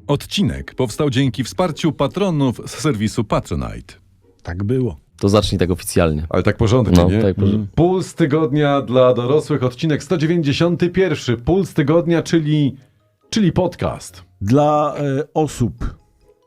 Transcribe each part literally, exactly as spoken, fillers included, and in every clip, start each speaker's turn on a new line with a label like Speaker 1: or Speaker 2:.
Speaker 1: Odcinek powstał dzięki wsparciu patronów z serwisu Patronite.
Speaker 2: Tak było.
Speaker 3: To zacznij tak oficjalnie.
Speaker 4: Ale tak porządnie,
Speaker 3: No,
Speaker 4: nie?
Speaker 3: tak porządnie.
Speaker 4: Puls tygodnia dla dorosłych, odcinek sto dziewięćdziesiąty pierwszy. Puls tygodnia, czyli, czyli podcast.
Speaker 2: Dla e, osób.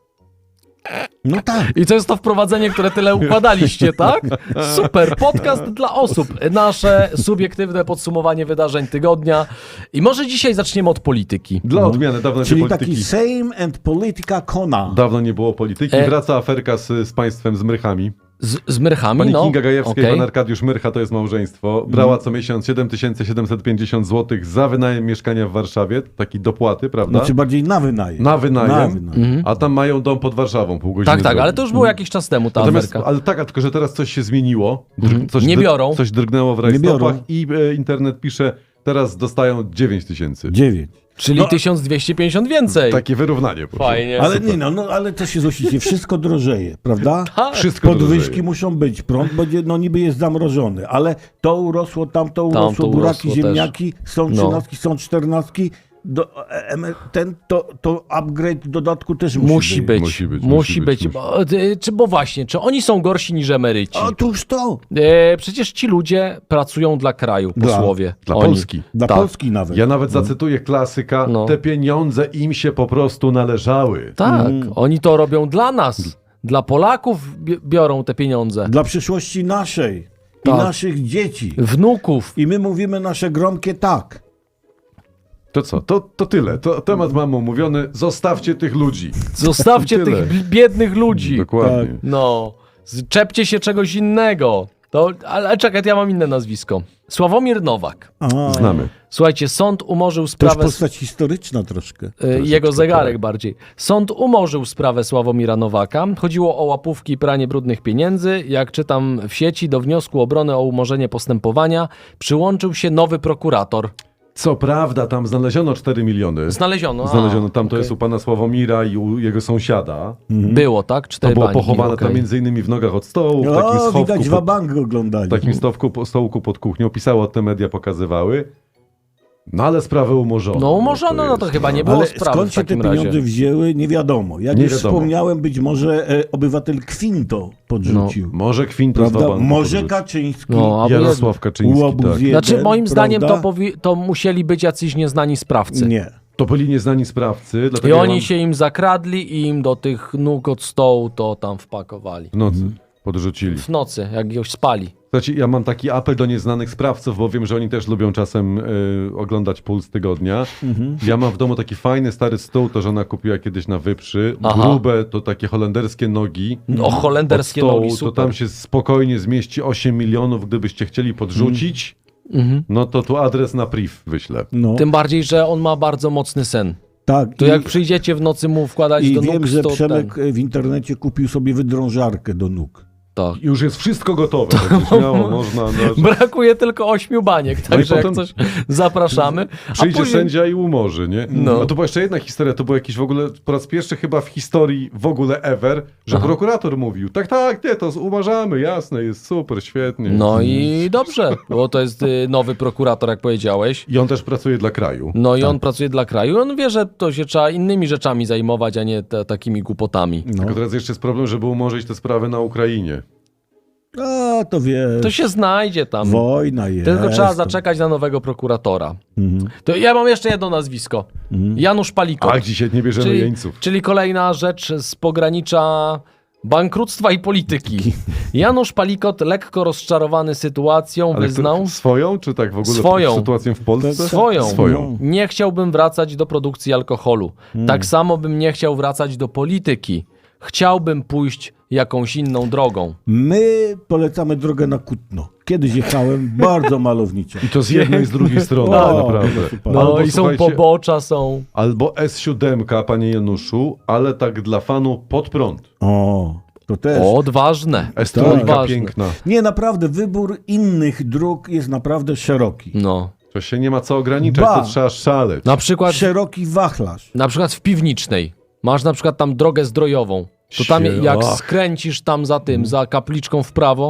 Speaker 2: No tak.
Speaker 3: I to jest to wprowadzenie, które tyle układaliście, tak? Super, podcast dla osób. Nasze subiektywne podsumowanie wydarzeń tygodnia. I może dzisiaj zaczniemy od polityki.
Speaker 4: Dla
Speaker 2: No.
Speaker 4: odmiany, dawno
Speaker 2: Czyli
Speaker 4: nie polityki.
Speaker 2: taki Sejm and Politica Kona.
Speaker 4: Dawno nie było polityki.
Speaker 3: E-
Speaker 4: Wraca aferka z, z państwem, z Myrchami.
Speaker 3: Z, z Myrchami,
Speaker 4: Pani
Speaker 3: no.
Speaker 4: Kinga Gajewska i
Speaker 3: okej.
Speaker 4: pan Arkadiusz Myrcha, to jest małżeństwo. Brała co miesiąc siedem tysięcy siedemset pięćdziesiąt złotych za wynajem mieszkania w Warszawie. Taki dopłaty, prawda?
Speaker 2: Znaczy bardziej na wynajem.
Speaker 4: Na wynajem.
Speaker 2: Na wynajem.
Speaker 4: A tam mają dom pod Warszawą, pół godziny
Speaker 3: Tak, tak,
Speaker 4: drogi.
Speaker 3: ale to już było jakiś czas temu, ta
Speaker 4: Natomiast,
Speaker 3: aferka.
Speaker 4: ale tak, a tylko że teraz coś się zmieniło. Dr- coś
Speaker 3: Nie
Speaker 4: dr-
Speaker 3: biorą.
Speaker 4: Coś drgnęło w
Speaker 2: Nie
Speaker 4: rajstopach
Speaker 2: biorą.
Speaker 4: i e, internet pisze, teraz dostają dziewięć tysięcy.
Speaker 2: Dziewięć.
Speaker 3: Czyli
Speaker 2: No,
Speaker 3: tysiąc dwieście pięćdziesiąt więcej.
Speaker 4: Takie wyrównanie. proszę.
Speaker 3: Fajnie.
Speaker 2: Ale nie no, no, ale to się złościcie. Wszystko drożeje, prawda?
Speaker 3: Tak.
Speaker 4: Wszystko
Speaker 2: Podwyżki
Speaker 4: drożeje.
Speaker 2: muszą być, prąd będzie, no niby jest zamrożony, ale to urosło, tamto urosło,
Speaker 3: Tamto
Speaker 2: buraki,
Speaker 3: urosło
Speaker 2: ziemniaki, są
Speaker 3: No.
Speaker 2: trzynastki, są czternastki. Do, e, em, ten, to, to upgrade w dodatku też musi,
Speaker 3: Musi być.
Speaker 4: Musi być,
Speaker 3: Musi
Speaker 4: musi
Speaker 3: być.
Speaker 4: być,
Speaker 3: Bo, y, czy, bo właśnie, czy oni są gorsi niż emeryci?
Speaker 2: Otóż to.
Speaker 3: E, przecież ci ludzie pracują dla kraju,
Speaker 2: Dla-
Speaker 3: posłowie.
Speaker 4: Dla
Speaker 3: Oni.
Speaker 4: Polski.
Speaker 2: Dla
Speaker 3: Tak.
Speaker 2: Polski nawet.
Speaker 4: Ja nawet zacytuję klasyka,
Speaker 3: No.
Speaker 4: te pieniądze im się po prostu należały.
Speaker 3: Tak,
Speaker 2: Mm.
Speaker 3: oni to robią dla nas. Dla Polaków bi- biorą te pieniądze.
Speaker 2: Dla przyszłości naszej i
Speaker 3: Tak.
Speaker 2: naszych dzieci.
Speaker 3: Wnuków.
Speaker 2: I my mówimy nasze gromkie tak.
Speaker 4: To co? To, to tyle. To, temat mamy omówiony. Zostawcie tych ludzi.
Speaker 3: Zostawcie
Speaker 4: Tyle.
Speaker 3: tych bi- biednych ludzi.
Speaker 4: Dokładnie.
Speaker 3: No, czepcie się czegoś innego. To, ale czekaj, ja mam inne nazwisko. Sławomir Nowak.
Speaker 2: A,
Speaker 4: Znamy.
Speaker 3: Słuchajcie, sąd umorzył
Speaker 2: to już
Speaker 3: sprawę...
Speaker 2: postać historyczna troszkę.
Speaker 3: Y, Jego zegarek bardziej. Sąd umorzył sprawę Sławomira Nowaka. Chodziło o łapówki i pranie brudnych pieniędzy. Jak czytam w sieci, do wniosku obrony o umorzenie postępowania przyłączył się nowy prokurator.
Speaker 4: Co prawda, tam znaleziono cztery miliony.
Speaker 3: Znaleziono. a,
Speaker 4: Znaleziono. Tam to
Speaker 3: okej.
Speaker 4: jest u pana Sławomira i u jego sąsiada.
Speaker 3: Było, tak?
Speaker 4: To
Speaker 3: Cztery
Speaker 4: było
Speaker 3: bańki,
Speaker 4: pochowane
Speaker 3: okej.
Speaker 4: tam między innymi w nogach od stołu, w takim
Speaker 2: O,
Speaker 4: schowku,
Speaker 2: widać
Speaker 4: pod,
Speaker 2: wabank oglądali.
Speaker 4: w takim stowku, po- stołku pod kuchnią. Pisało, te media pokazywały. No ale sprawę umorzono.
Speaker 3: No umorzono, no to
Speaker 4: jest,
Speaker 3: chyba nie było
Speaker 2: Ale
Speaker 3: sprawy
Speaker 2: skąd
Speaker 3: w
Speaker 2: się te
Speaker 3: takim
Speaker 2: pieniądze
Speaker 3: razie.
Speaker 2: wzięły, nie wiadomo. Jak
Speaker 4: Nie
Speaker 2: już
Speaker 4: wiadomo.
Speaker 2: wspomniałem, być może e, obywatel Kwinto podrzucił.
Speaker 4: Może Kwinto z
Speaker 2: prawda?
Speaker 4: Wabanku
Speaker 2: Może
Speaker 4: podrzucił.
Speaker 2: Kaczyński.
Speaker 3: No, a
Speaker 4: Jarosław Kaczyński,
Speaker 2: Łobuz
Speaker 4: tak.
Speaker 2: jeden,
Speaker 3: Znaczy, moim zdaniem to,
Speaker 2: prawda?
Speaker 3: powi- to musieli być jacyś nieznani sprawcy.
Speaker 2: Nie.
Speaker 4: To byli nieznani sprawcy,
Speaker 3: I
Speaker 4: dlatego ja
Speaker 3: oni
Speaker 4: mam
Speaker 3: się im zakradli i im do tych nóg od stołu to tam wpakowali.
Speaker 4: w nocy podrzucili.
Speaker 3: W nocy, jak już spali.
Speaker 4: Znaczy, ja mam taki apel do nieznanych sprawców, bo wiem, że oni też lubią czasem y, oglądać Puls Tygodnia.
Speaker 3: Mhm.
Speaker 4: Ja mam w domu taki fajny, stary stół, to żona kupiła kiedyś na Wyprzy.
Speaker 3: Aha.
Speaker 4: Grube to takie holenderskie nogi.
Speaker 3: No, holenderskie
Speaker 4: Od stołu,
Speaker 3: nogi,
Speaker 4: to
Speaker 3: super.
Speaker 4: tam się spokojnie zmieści osiem milionów, gdybyście chcieli podrzucić.
Speaker 3: Mhm.
Speaker 4: No to tu adres na priv wyślę.
Speaker 2: No,
Speaker 3: Tym bardziej, że on ma bardzo mocny sen.
Speaker 2: tak.
Speaker 3: To
Speaker 2: I,
Speaker 3: jak przyjdziecie w nocy mu wkładać
Speaker 2: i
Speaker 3: do nóg,
Speaker 2: wiem, że
Speaker 3: to
Speaker 2: Przemek
Speaker 3: ten,
Speaker 2: w internecie kupił sobie wydrążarkę do nóg.
Speaker 3: tak.
Speaker 4: Już jest wszystko gotowe. To śmiało można. No,
Speaker 3: Brakuje tylko ośmiu baniek, także
Speaker 4: potem-
Speaker 3: jak coś zapraszamy. A
Speaker 4: przyjdzie
Speaker 3: później...
Speaker 4: sędzia i umorzy, nie?
Speaker 3: No.
Speaker 4: A to była jeszcze jedna historia, to był jakiś w ogóle, po raz pierwszy chyba w historii w ogóle ever, że
Speaker 3: Aha.
Speaker 4: prokurator mówił, tak, tak, nie, to umarzamy, jasne, jest super, świetnie.
Speaker 3: No i dobrze, bo to jest y, nowy prokurator, jak powiedziałeś.
Speaker 4: I on też pracuje dla kraju.
Speaker 3: No i on pracuje dla kraju. On wie, że to się trzeba innymi rzeczami zajmować, a nie te, takimi głupotami.
Speaker 2: No.
Speaker 4: Tylko teraz jeszcze jest problem, żeby umorzyć te sprawy na Ukrainie.
Speaker 2: A, to wiesz,
Speaker 3: To się znajdzie tam.
Speaker 2: wojna jest.
Speaker 3: Tylko trzeba
Speaker 2: to-
Speaker 3: zaczekać na nowego prokuratora.
Speaker 2: Mhm.
Speaker 3: To ja mam jeszcze jedno nazwisko. Janusz Palikot.
Speaker 4: Ach, dzisiaj nie bierzemy
Speaker 3: czyli,
Speaker 4: jeńców.
Speaker 3: czyli kolejna rzecz z pogranicza bankructwa i polityki. Janusz Palikot, lekko rozczarowany sytuacją,
Speaker 4: Ale
Speaker 3: wyznał...
Speaker 4: to swoją, czy tak w ogóle
Speaker 3: Swoją.
Speaker 4: sytuacją w Polsce?
Speaker 3: Swoją.
Speaker 4: Swoją.
Speaker 3: Nie chciałbym wracać do produkcji alkoholu. Tak samo bym nie chciał wracać do polityki. Chciałbym pójść jakąś inną drogą.
Speaker 2: My polecamy drogę na Kutno. Kiedyś jechałem, bardzo malowniczo.
Speaker 4: I to z jednej i z drugiej strony,
Speaker 2: O,
Speaker 4: naprawdę.
Speaker 2: super.
Speaker 3: No
Speaker 4: Albo,
Speaker 3: i są
Speaker 4: słuchajcie,
Speaker 3: pobocza, są...
Speaker 4: Albo S siedem, panie Januszu, ale tak dla fanu pod prąd.
Speaker 2: O, to też.
Speaker 3: Odważne.
Speaker 4: S
Speaker 2: Tak.
Speaker 4: trójka
Speaker 3: Odważne.
Speaker 4: piękna.
Speaker 2: Nie, naprawdę, wybór innych dróg jest naprawdę szeroki.
Speaker 3: No.
Speaker 4: To się nie ma co ograniczać,
Speaker 2: Ba.
Speaker 4: to trzeba szaleć.
Speaker 3: Na przykład,
Speaker 2: Szeroki wachlarz.
Speaker 3: na przykład w Piwnicznej. Masz na przykład tam drogę zdrojową. To tam
Speaker 4: Sie-
Speaker 3: jak
Speaker 4: ach.
Speaker 3: skręcisz tam za tym, za kapliczką w prawo,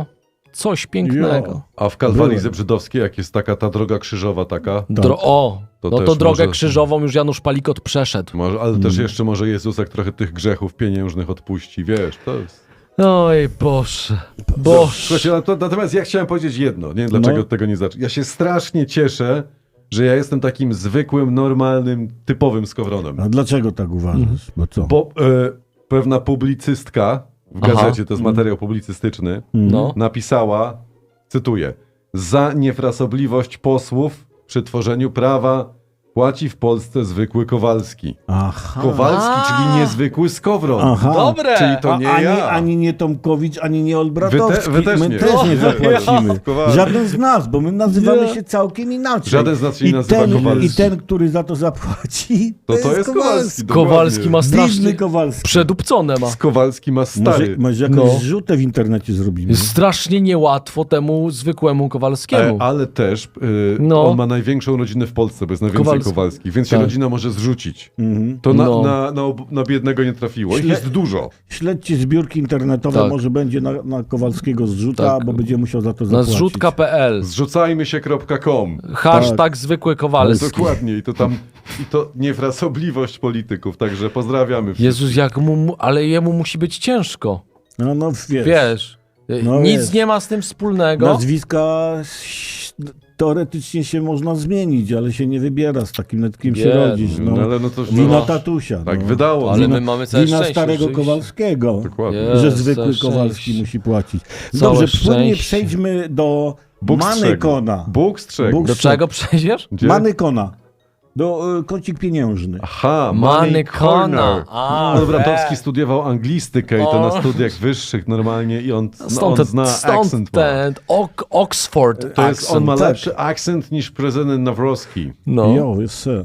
Speaker 3: coś pięknego.
Speaker 2: Jo.
Speaker 4: A w Kalwarii
Speaker 2: Byłem.
Speaker 4: Zebrzydowskiej, jak jest taka ta droga krzyżowa taka,
Speaker 3: Dro- o,
Speaker 4: To
Speaker 3: no
Speaker 4: też
Speaker 3: to drogę
Speaker 4: może-
Speaker 3: krzyżową już Janusz Palikot przeszedł.
Speaker 4: może, ale też jeszcze może Jezusek trochę tych grzechów pieniężnych odpuści, wiesz, to jest...
Speaker 3: Oj, Boże, Boże.
Speaker 4: Słuchajcie, na to, natomiast ja chciałem powiedzieć jedno, nie wiem dlaczego
Speaker 2: No.
Speaker 4: tego nie zacząć. Ja się strasznie cieszę, że ja jestem takim zwykłym, normalnym, typowym skowronem.
Speaker 2: A dlaczego tak uważasz? Bo co?
Speaker 4: Bo e, pewna publicystka w
Speaker 3: Aha.
Speaker 4: gazecie, to jest materiał publicystyczny,
Speaker 3: No.
Speaker 4: napisała, cytuję, za niefrasobliwość posłów przy tworzeniu prawa płaci w Polsce zwykły Kowalski.
Speaker 2: Aha.
Speaker 4: Kowalski,
Speaker 3: A.
Speaker 4: czyli niezwykły skowron.
Speaker 2: Aha.
Speaker 3: Dobre.
Speaker 4: Czyli to
Speaker 2: A,
Speaker 4: nie
Speaker 2: ani,
Speaker 4: ja.
Speaker 2: ani nie Tomkowicz, ani nie Olbratowski.
Speaker 4: Wy te- wy też
Speaker 2: my
Speaker 4: nie.
Speaker 2: też nie
Speaker 4: No,
Speaker 2: zapłacimy.
Speaker 4: ja. Kowalski.
Speaker 2: Żaden z nas, bo my nazywamy
Speaker 3: Nie.
Speaker 2: się całkiem inaczej.
Speaker 4: Żaden z nas się nie
Speaker 2: I
Speaker 4: nazywa
Speaker 2: ten,
Speaker 4: Kowalski.
Speaker 2: I ten, który za to zapłaci,
Speaker 4: To, to jest Kowalski. dokładnie.
Speaker 3: Kowalski ma
Speaker 2: Biedny
Speaker 3: strasznie
Speaker 2: Kowalski.
Speaker 3: przedupcone ma.
Speaker 4: Kowalski ma
Speaker 2: Może,
Speaker 4: stary.
Speaker 2: może jakąś
Speaker 3: No.
Speaker 2: zrzutę w internecie zrobimy.
Speaker 3: Strasznie niełatwo temu zwykłemu
Speaker 4: E,
Speaker 3: Kowalskiemu.
Speaker 4: ale też y,
Speaker 3: No.
Speaker 4: on ma największą rodzinę w Polsce, bo jest najwięcej
Speaker 3: Kowalski.
Speaker 4: Kowalskich, więc się
Speaker 3: Tak.
Speaker 4: rodzina może zrzucić.
Speaker 2: Mhm.
Speaker 4: To na,
Speaker 3: No.
Speaker 4: na, na, ob- na biednego nie trafiło. Ich
Speaker 2: Śle-
Speaker 4: jest dużo.
Speaker 2: Śledźcie zbiórki internetowe,
Speaker 3: Tak.
Speaker 2: może będzie na, na Kowalskiego zrzuta,
Speaker 3: Tak.
Speaker 2: bo będzie musiał za to
Speaker 3: Na
Speaker 2: zapłacić.
Speaker 3: zrzutka kropka p l.
Speaker 4: Zrzucajmy się kropka com.
Speaker 3: Hashtag zwykły Kowalski.
Speaker 4: Dokładnie. I to tam, i to niefrasobliwość polityków, także pozdrawiamy wszystkich.
Speaker 3: Jezus, jak mu, mu, ale jemu musi być ciężko.
Speaker 2: No, no wiesz,
Speaker 3: Wiesz,
Speaker 2: No
Speaker 3: nic
Speaker 2: wiesz.
Speaker 3: nie ma z tym wspólnego.
Speaker 2: nazwiska ś- teoretycznie się można zmienić, ale się nie wybiera, z takim nad kim się
Speaker 3: Nie,
Speaker 2: rodzisz.
Speaker 4: No,
Speaker 2: No.
Speaker 4: ale no to
Speaker 2: Wina
Speaker 3: no.
Speaker 2: tatusia.
Speaker 4: tak
Speaker 2: no.
Speaker 4: wydało.
Speaker 3: Ale
Speaker 4: no.
Speaker 3: my mamy całe
Speaker 2: Wina
Speaker 3: szczęście.
Speaker 2: starego
Speaker 3: rzeczywiście.
Speaker 2: Kowalskiego,
Speaker 4: Dokładnie.
Speaker 3: Nie.
Speaker 2: że
Speaker 3: Jest,
Speaker 2: zwykły
Speaker 3: całe
Speaker 2: Kowalski
Speaker 3: szczęście.
Speaker 2: musi płacić.
Speaker 3: Całe
Speaker 2: Dobrze, płynnie
Speaker 3: szczęście.
Speaker 2: przejdźmy do
Speaker 4: Bóg strzegł.
Speaker 2: Manykona.
Speaker 4: Bóg strzegł.
Speaker 2: Bóg
Speaker 3: Do czego przejdziesz?
Speaker 4: Gdzie?
Speaker 2: Manykona. Do y, kącik pieniężny.
Speaker 4: Aha, Money
Speaker 3: Manykona.
Speaker 4: Corner.
Speaker 3: A,
Speaker 4: No, Bramtowski
Speaker 3: we.
Speaker 4: studiował anglistykę i to
Speaker 3: O.
Speaker 4: na studiach wyższych normalnie i on, no,
Speaker 3: Stąd,
Speaker 4: on
Speaker 3: ten,
Speaker 4: zna
Speaker 3: stąd
Speaker 4: akcent. ma.
Speaker 3: ten ok, Oxford
Speaker 4: To jest, on ma
Speaker 2: tak.
Speaker 4: lepszy akcent niż prezydent Nawrocki.
Speaker 3: No.
Speaker 2: Jo, jest se.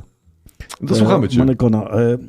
Speaker 4: To słuchamy cię.
Speaker 2: Manykona. E, y,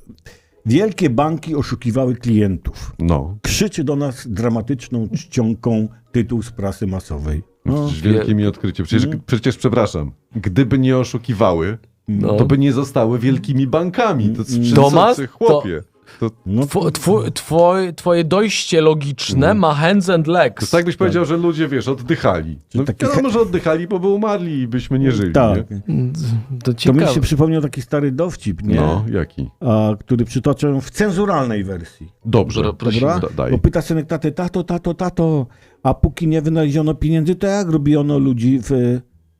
Speaker 2: wielkie banki oszukiwały klientów.
Speaker 4: No.
Speaker 2: Krzyczy do nas dramatyczną czcionką tytuł z prasy masowej. No.
Speaker 4: Przecież wielkie mi odkrycie. Przecież, przecież przepraszam, gdyby nie oszukiwały,
Speaker 3: No.
Speaker 4: to by nie zostały wielkimi bankami. To czy
Speaker 3: Tomasz,
Speaker 4: co, chłopie. To, to
Speaker 2: No,
Speaker 3: Two, two, twoj, twoje dojście logiczne ma hands and legs.
Speaker 4: tak byś powiedział, że ludzie, wiesz, oddychali. No,
Speaker 2: taki
Speaker 4: wiadomo, że oddychali, bo by umarli i byśmy nie żyli.
Speaker 2: tak.
Speaker 4: Nie?
Speaker 3: To
Speaker 2: To mi
Speaker 3: ciekawe.
Speaker 2: się przypomniał taki stary dowcip, nie?
Speaker 4: No, jaki?
Speaker 2: A, który przytoczę w cenzuralnej wersji.
Speaker 4: Dobrze.
Speaker 3: Dobra, prosimy.
Speaker 2: Dobra?
Speaker 4: Da- daj.
Speaker 2: Bo pyta synek taty, tato, tato, tato, a póki nie wynaleziono pieniędzy, to jak robiono ludzi w y,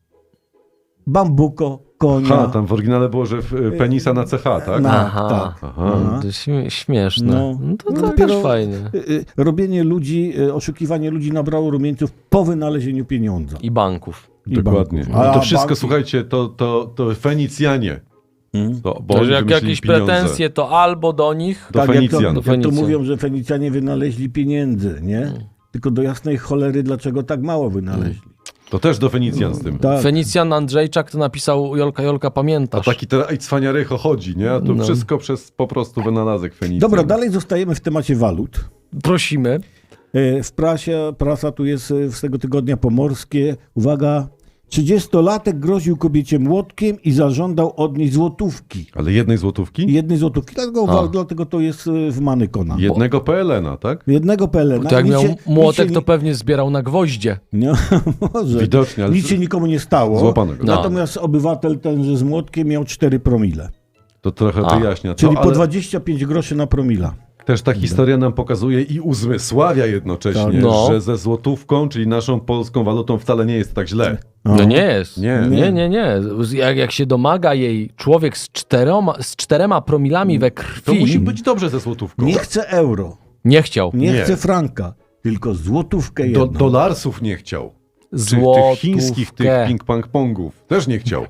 Speaker 2: bambuko, konia?
Speaker 4: Ha, tam w oryginale było, że w, e, penisa na C H, tak?
Speaker 2: Na-
Speaker 3: Aha.
Speaker 2: tak.
Speaker 4: Aha.
Speaker 2: Aha.
Speaker 3: To śmie- śmieszne.
Speaker 2: No.
Speaker 3: No, to,
Speaker 2: No
Speaker 3: to
Speaker 2: dopiero-
Speaker 3: też fajnie.
Speaker 2: Y, y, Robienie ludzi, y, oszukiwanie ludzi nabrało rumieńców po wynalezieniu pieniądza.
Speaker 3: I banków.
Speaker 2: I
Speaker 4: Dokładnie.
Speaker 2: banków.
Speaker 4: No
Speaker 2: A
Speaker 4: to wszystko,
Speaker 2: banki-
Speaker 4: słuchajcie, to, to, to Fenicjanie.
Speaker 2: Hmm?
Speaker 4: To, bo
Speaker 3: To,
Speaker 4: oni
Speaker 3: że jak
Speaker 4: wymyślili
Speaker 3: jakieś
Speaker 4: pieniądze.
Speaker 3: pretensje, to albo do nich.
Speaker 4: Do
Speaker 2: Tak, jak to,
Speaker 4: Fenicjan.
Speaker 3: Do
Speaker 2: jak to
Speaker 3: Fenicjan.
Speaker 2: mówią, że Fenicjanie wynaleźli pieniędzy, nie? Tylko do jasnej cholery, dlaczego tak mało wynaleźli.
Speaker 4: To też do Fenicjan z tym.
Speaker 2: Tak.
Speaker 3: Fenicjan Andrzejczak to napisał Jolka, Jolka,
Speaker 4: A
Speaker 3: pamiętasz?
Speaker 4: taki teraz i cwaniarycho chodzi, nie? A to
Speaker 3: No.
Speaker 4: wszystko przez po prostu wynalazek Fenicjan.
Speaker 2: Dobra, dalej zostajemy w temacie walut.
Speaker 3: Prosimy.
Speaker 2: E, W prasie, prasa tu jest e, z tego tygodnia pomorskie. Uwaga, trzydziestolatek groził kobiecie młotkiem i zażądał od niej złotówki.
Speaker 4: Ale jednej złotówki?
Speaker 2: Jednej złotówki, dlatego,
Speaker 3: A.
Speaker 2: dlatego to jest e, w Manykona.
Speaker 4: Jednego P L N a, tak?
Speaker 2: Jednego P L N.
Speaker 3: To jak
Speaker 2: Nic
Speaker 3: miał
Speaker 2: się-
Speaker 3: młotek,
Speaker 2: nic
Speaker 3: to
Speaker 2: się
Speaker 3: pewnie zbierał na gwoździe.
Speaker 2: nie, może.
Speaker 4: Widocznie, ale
Speaker 2: Nic się nikomu nie stało.
Speaker 4: Złapano go.
Speaker 3: No.
Speaker 2: Natomiast obywatel tenże z młotkiem miał cztery promile.
Speaker 4: to trochę
Speaker 3: A.
Speaker 4: wyjaśnia.
Speaker 2: Czyli
Speaker 4: to,
Speaker 2: po
Speaker 4: ale
Speaker 2: dwadzieścia pięć groszy na promila.
Speaker 4: też ta historia nam pokazuje i uzmysławia jednocześnie,
Speaker 2: Tak.
Speaker 3: No.
Speaker 4: że ze złotówką, czyli naszą polską walutą wcale nie jest tak źle.
Speaker 3: No nie jest.
Speaker 4: Nie.
Speaker 3: nie, nie. nie. Jak, jak się domaga jej człowiek z czterema, z czterema promilami we krwi,
Speaker 4: To musi być dobrze ze złotówką.
Speaker 2: Nie chce euro,
Speaker 3: nie chciał.
Speaker 2: nie,
Speaker 4: Nie.
Speaker 2: chce franka, tylko złotówkę
Speaker 4: Do,
Speaker 2: jedną.
Speaker 4: dolarsów nie chciał. Czy
Speaker 3: Złotówkę.
Speaker 4: tych chińskich, tych ping-pong-pongów też nie chciał.